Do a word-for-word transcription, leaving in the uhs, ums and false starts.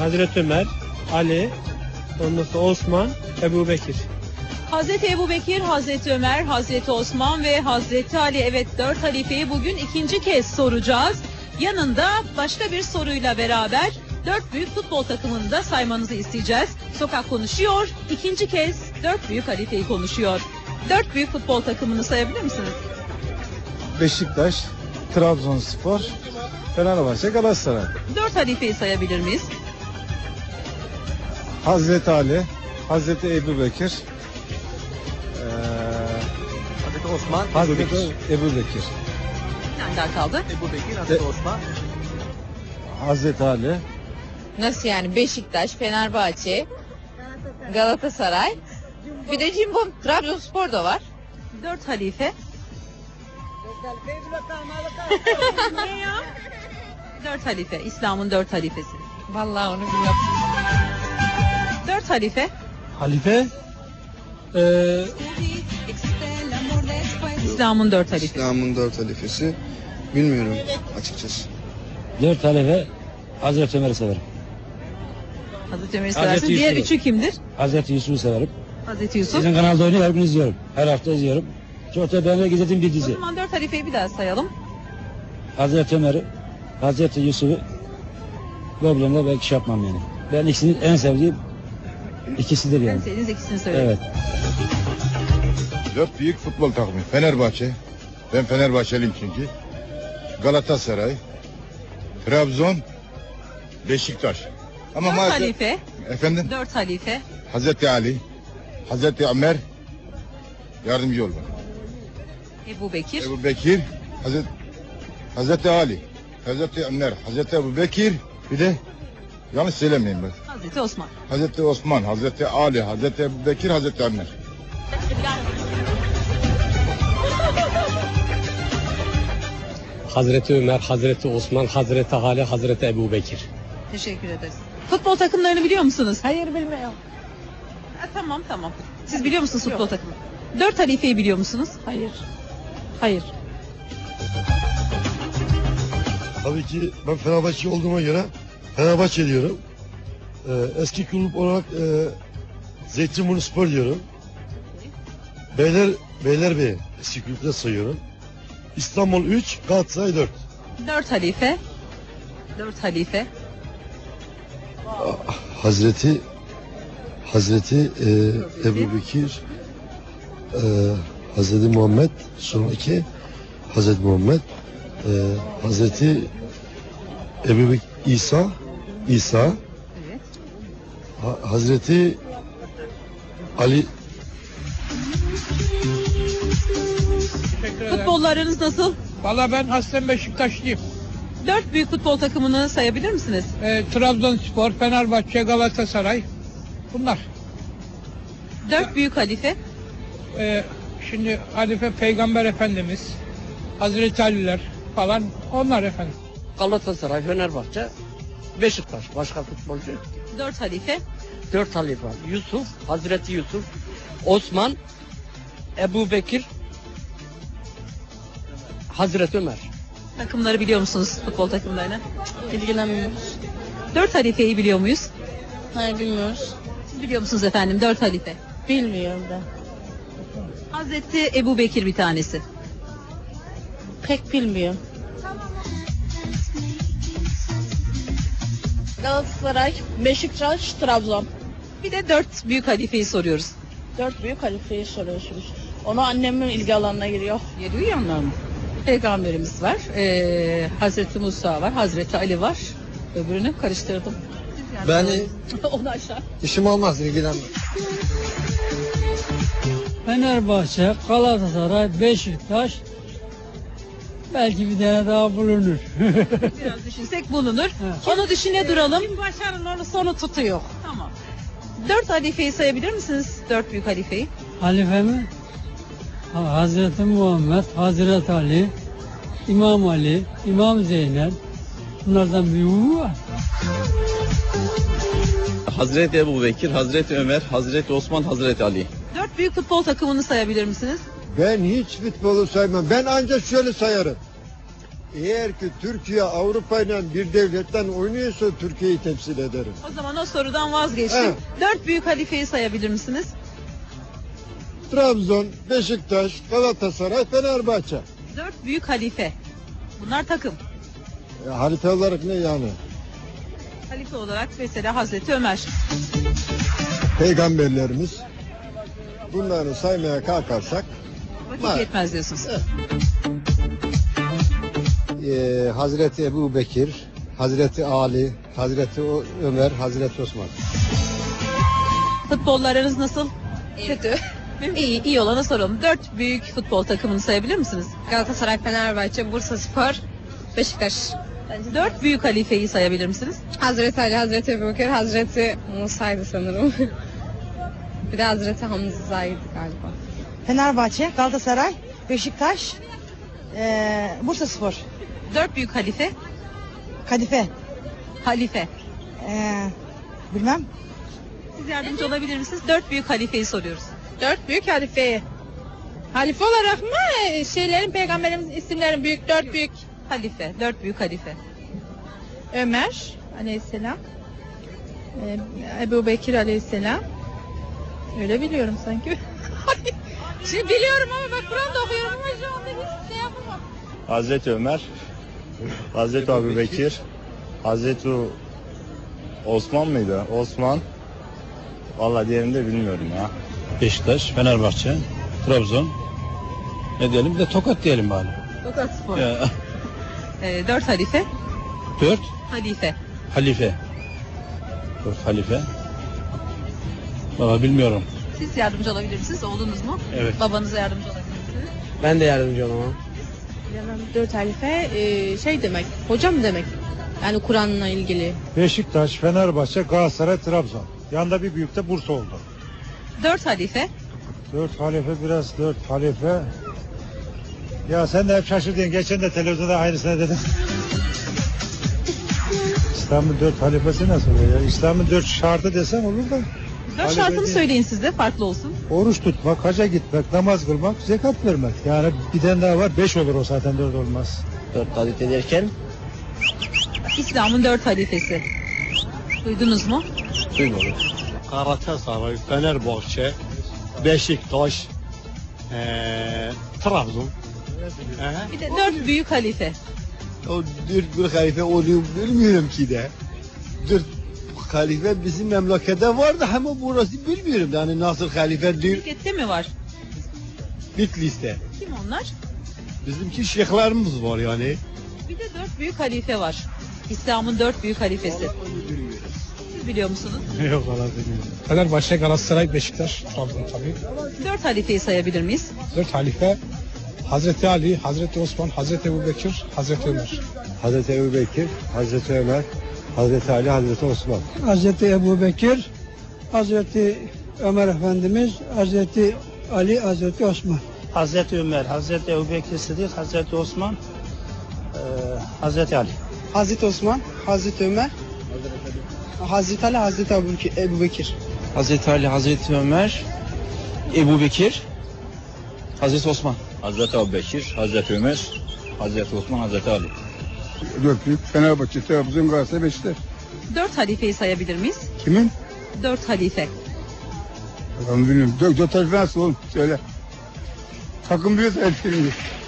Hazreti Ömer, Ali, ondan sonra Osman, Ebu Bekir. Hazreti Ebubekir, Hazreti Ömer, Hazreti Osman ve Hazreti Ali. Evet, dört halifeyi bugün ikinci kez soracağız. Yanında başka bir soruyla beraber dört büyük futbol takımını da saymanızı isteyeceğiz. Sokak konuşuyor, ikinci kez dört büyük halifeyi konuşuyor. Dört büyük futbol takımını sayabilir misiniz? Beşiktaş, Trabzonspor, Fenerbahçe, Galatasaray. Dört halifeyi sayabilir miyiz? Hazreti Ali, Hazreti Ebubekir, eee Hazreti Osman, Ebu Hazreti Bekir. Ebubekir, Bir tane daha kaldı. Ebu Bekir, Hazreti Osman. Hazreti Ali, Nasıl yani? Beşiktaş, Fenerbahçe, Galatasaray. Bir de Cimbom, Trabzonspor da var. Dört halife. Dört halife, İslam'ın dört halifesi. Vallahi onu bilmiyorum. Dört halife. Halife, eee İslam'ın dört halifesi. İslam'ın dört halifesi bilmiyorum açıkçası. Dört halife Hazreti Ömer'i severim. Hazreti Ömer'i Hazreti seversin. Diğer Yusuf'u. üçü kimdir? Hazreti Yusuf'u severim. Hazreti Yusuf. Sizin kanalda oynuyor, her gün izliyorum. Her hafta izliyorum. Çok da beğenerek izlediğim bir O dizi. zaman dört halifeyi bir daha sayalım. Hazreti Ömer'i, Hazreti Yusuf'u problemle belki şey yapmam yani. Ben ikisini en sevdiğim ikisidir En yani. sevdiğiniz ikisini söyleyin. Evet. Dört büyük futbol takımı. Fenerbahçe. Ben Fenerbahçeliyim çünkü. Galatasaray. Trabzon. Beşiktaş. Ama Dört maalesef... halife. Efendim? Dört halife. Hazreti Ali. Hazreti Ömer. Yardımcı ol bana. Ebu Bekir. Ebu Bekir. Hazreti, Hazreti Ali. Hazreti Ömer. Hazreti Ebu Bekir. Bir de yanlış söylemeyeyim ben. Hazreti Osman. Hazreti Osman. Hazreti Ali. Hazreti Ebu Bekir. Hazreti Ömer. Hazreti Ömer, Hazreti Osman, Hazreti Ali, Hazreti Ebu Bekir. Teşekkür ederiz. Futbol takımlarını biliyor musunuz? Hayır bilmiyorum. Ha, tamam tamam. Siz biliyor musunuz futbol takımı? Dört halifeyi biliyor musunuz? Hayır. Hayır. Tabii ki ben Fenerbahçe olduğuma göre Fenerbahçe diyorum. Ee, eski kulüp olarak e, Zeytinburnu Spor diyorum. Beyler Beylerbeyi eski kulüpte sayıyorum. İstanbul üç, Galatasaray dört. Dört halife. Dört halife. Hazreti Hazreti e, Ebu Bekir, e, Hazreti Muhammed, son iki Hazreti Muhammed, e, Hazreti Ebu Bekir, İsa, İsa, Evet. Ha- Hazreti Ali. Futbollarınız nasıl? Valla ben aslen Beşiktaşlıyım. Dört büyük futbol takımını sayabilir misiniz? Ee, Trabzonspor, Fenerbahçe, Galatasaray. Bunlar. Dört büyük halife. Ee, şimdi Halife Peygamber Efendimiz, Hazreti Aliler falan onlar efendim. Galatasaray, Fenerbahçe, Beşiktaş. Başka futbolcu. Dört halife. Dört halife var. Yusuf, Hazreti Yusuf, Osman, Ebu Bekir, Hazreti Ömer. Takımları biliyor musunuz, futbol takımlarını? İlgilenmiyoruz. Dört halifeyi biliyor muyuz? Hayır bilmiyoruz. Siz biliyor musunuz efendim dört halife? Bilmiyorum da. Hazreti Ebu Bekir bir tanesi. Pek bilmiyorum. Galatasaray, Beşiktaş, Trabzon. Bir de dört büyük halifeyi soruyoruz. Dört büyük halifeyi soruyorsunuz. Onu annemin ilgi alanına giriyor. Yedi uyanlar mı? Peygamberimiz var. Ee, Hazreti Musa var. Hazreti Ali var. Öbürünü karıştırdım. Ben Onu aşağı. işim olmaz ilgilenmem. Fenerbahçe, Galatasaray, Beşiktaş, belki bir tane daha bulunur. Biraz düşünsek bulunur. Onu düşüne duralım. Kim başarılı onu sonu tutuyor. Tamam. Dört halifeyi sayabilir misiniz? Dört büyük halifeyi. Halife mi? Ha, Hazreti Muhammed, Hazreti Ali, İmam Ali, İmam Zeynep. Bunlardan büyüğü var. Hazreti Ebu Bekir, Hazreti Ömer, Hazreti Osman, Hazreti Ali. Dört büyük futbol takımını sayabilir misiniz? Ben hiç futbolu saymam. Ben ancak şöyle sayarım. Eğer ki Türkiye Avrupa ile bir devletten oynuyorsa Türkiye'yi temsil ederim. O zaman o sorudan vazgeçtim. Evet. Dört büyük halifeyi sayabilir misiniz? Trabzon, Beşiktaş, Galatasaray, Fenerbahçe. Dört büyük halife. Bunlar takım. E, harita olarak ne yani? Halife olarak mesela Hazreti Ömer. Peygamberlerimiz. Bunları saymaya kalkarsak Vakit var. yetmez diyorsunuz. Ee, Hazreti Ebu Bekir, Hazreti Ali, Hazreti Ö- Ömer, Hazreti Osman. Futbollarınız nasıl? Kötü. İyi, iyi olana soralım. Dört büyük futbol takımını sayabilir misiniz? Galatasaray, Fenerbahçe, Bursaspor, Beşiktaş. Dört büyük halifeyi sayabilir misiniz? Hazreti Ali, Hazreti Ebubekir, Hazreti Musa'ydı sanırım. Bir de Hazreti Hamza'ydı galiba. Fenerbahçe, Galatasaray, Beşiktaş, eee Bursaspor, Dört büyük halife. Kadife, Halife. eee bilmem. Siz yardımcı olabilir misiniz? Dört büyük halifeyi soruyoruz. Dört büyük halifeyi. Halife olarak mı? Şeylerin, peygamberimizin isimlerin büyük, dört büyük. Halife. Dört büyük halife. Ömer aleyhisselam. Ee, Ebu Bekir aleyhisselam. Öyle biliyorum sanki. Şimdi biliyorum ama bak Kur'an'da okuyorum ama şu anda hiç şey yapamam. Hazreti Ömer, Hazreti Ebu Bekir, Hazreti Osman mıydı? Osman. Vallahi diğerini de bilmiyorum ya. Beşiktaş, Fenerbahçe, Trabzon. Ne diyelim? Bir de Tokat diyelim bari. Tokat Spor. Ya, Ee, dört halife. dört Halife. halife. Dört halife. Valla bilmiyorum. Siz yardımcı olabilir misiniz? Oğlunuz mu? Evet. Babanıza yardımcı olabilir misiniz? Ben de yardımcı olamam. Bilemem, dört halife e, şey demek, hocam demek. Yani Kur'an'la ilgili. Beşiktaş, Fenerbahçe, Galatasaray, Trabzon. Yanında bir büyük de Bursa oldu. Dört halife. Dört halife biraz dört halife. Ya sen de hep şaşırdın. Geçen de televizyonda aynısını dedim. İslam'ın dört halifesi nasıl oluyor ya? İslam'ın dört şartı desem olur da. Dört Halife şartını değil. söyleyin siz de farklı olsun. Oruç tutmak, hacca gitmek, namaz kılmak, zekat vermek. Yani bir tane daha var. Beş olur o zaten, dört olmaz. Dört halife derken İslam'ın dört halifesi. Duydunuz mu? duymadım. Galatasaray, Fenerbahçe, Beşiktaş, ee, Trabzon. Bir de dört büyük halife. O dört bir halife oluyor bilmiyorum ki de. Dört halife bizim memlekette vardı ama burası bilmiyorum. Yani nasıl halife diyor Şirkette mi var? Bitlis'te. Kim onlar? Bizimki şeyhlerimiz var yani. Bir de dört büyük halife var. İslam'ın dört büyük halifesi. Siz biliyor musunuz? Yok valla bilmiyorum. Fenerbahçe, Galatasaray, Beşiktaş, Trabzon tabii. Dört halifeyi sayabilir miyiz? Dört halife. Hazreti Ali, Hazreti Osman, Hazreti Ebubekir, Hazreti Ömer. Hazreti Ebu Bekir, Hazreti Ömer, Hazreti Ali, Hazreti Osman. Hazreti Ebu Bekir, Hazreti Ömer Efendimiz, Hazreti Ali, Hazreti Osman. Hazreti Ömer, Hazreti Ebubekir Sıddık, Hazreti Osman, eee, Hazreti Ali. Hazreti Osman, Hazreti Ömer, Hazreti Ali, Hazreti Ebu Bekir. Hazreti Ali, Hazreti Ömer, Ebu Bekir, Hazreti Osman. Hazreti Ebu Bekir, Hazreti Ömer, Hazreti Osman, Hazreti Ali. Dört büyük Fenerbahçe, Trabzon, Galatasaray, Beşiktaş. Dört halifeyi sayabilir miyiz? Kimin? Dört halife. Ben bilmiyorum. Dört, dört halife nasıl oğlum? Söyle. Takım biliyorsa hepsini.